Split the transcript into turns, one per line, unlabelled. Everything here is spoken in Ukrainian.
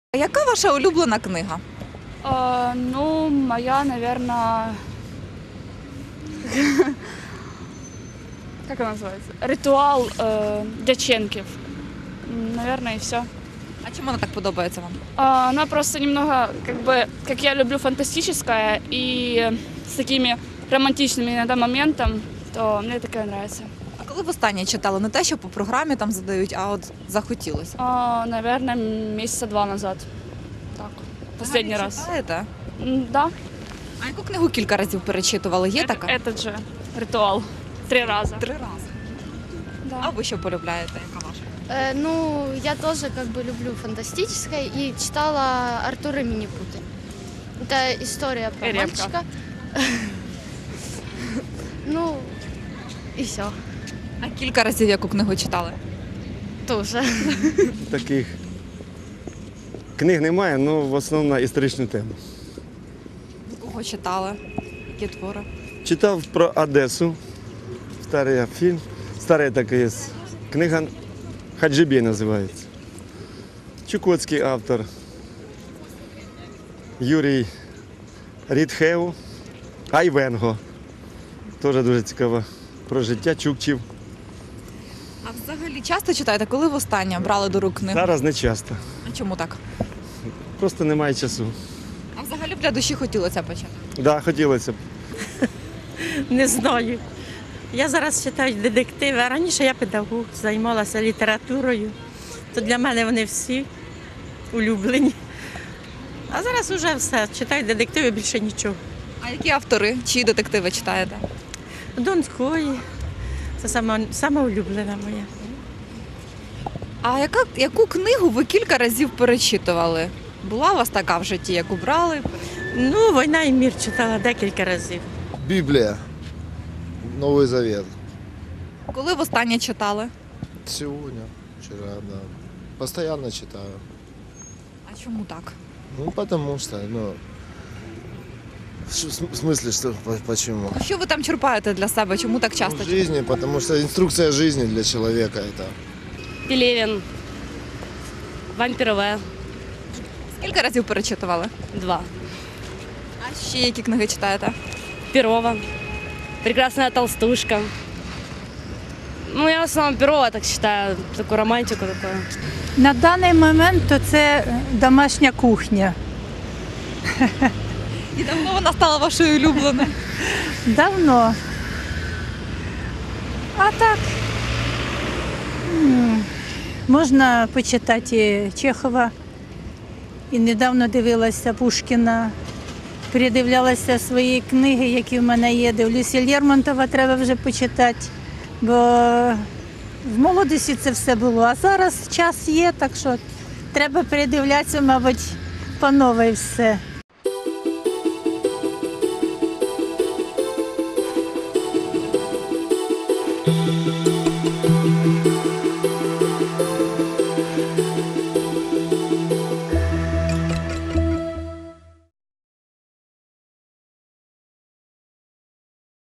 А яка ваша улюблена книга?
Ну, моя, наверное, как она называется? Ритуал Дяченків. Наверное, и все.
А чому вона так подобається вам?
Она просто немного, как я люблю фантастическое и с такими романтичными иногда моментами, то мне такая нравится.
А коли востаннє читали? Не те, що по програмі там задають, а от захотілося.
Наверное, месяца 2 назад. Так, последний
Взагалі
раз.
читаєте?
Да,
А яку книгу кілька разів перечитували? Є така?
этот же ритуал. 3 раза.
3 рази.
Да.
А ви що полюбляєте? Яка ваша?
Ну, я тоже люблю фантастическое и читала Артура Минипуты. Это история про
Репка.
мальчика. Ну, и все.
А кілька разів яку книгу читали?
Тоже.
Таких книг немає, але в основному на історичну тему.
Кого читали? Які твори?
Читав про Одесу, старий фільм, старий такий є. Книга Хаджибей називається. Чукотський автор Юрій Рідхев, Айвенго. Теж дуже цікаво про життя чукчів.
А взагалі часто читаєте? Коли востаннє брали до рук книгу?
Зараз не часто.
А чому так?
Просто немає часу.
А взагалі б для душі хотілося почати?
Да, хотілося б.
Не знаю. Я зараз читаю детективи, а раніше я педагог, займалася літературою. То для мене вони всі улюблені. А зараз вже все, читаю детективи, більше нічого.
А які автори? Чиї детективи читаєте?
Донської. Це сама улюблена моя.
А яку книгу ви кілька разів перечитували? Була у вас така в житті, яку брали?
Ну, «Війна і мир» читала декілька разів.
Библия, Новый Завет.
Коли востаннє читали?
Сегодня, вчера, да. Постоянно читаю.
А чому так?
Ну, потому что, в смысле, что, почему?
Що ви там черпаєте для себе? Чому так
Ну,
часто
в
читаєте?
жизни, потому что инструкция жизни для человека это.
Пелевин. Вампир В.
Скільки разів перечитували?
2.
А ще які книги читаєте?
Перова. Прекрасная толстушка. Ну, я в основном Перова так считаю, такую романтику такую.
На даний момент то це домашня кухня.
І давно вона стала вашою улюбленою?
Давно. А так можна почитати Чехова. І недавно дивилася Пушкіна. Передивлялася свої книги, які в мене є. Дивлюся, Лермонтова треба вже почитати, бо в молодості це все було. А зараз час є, так що треба передивлятися, мабуть, по новій все.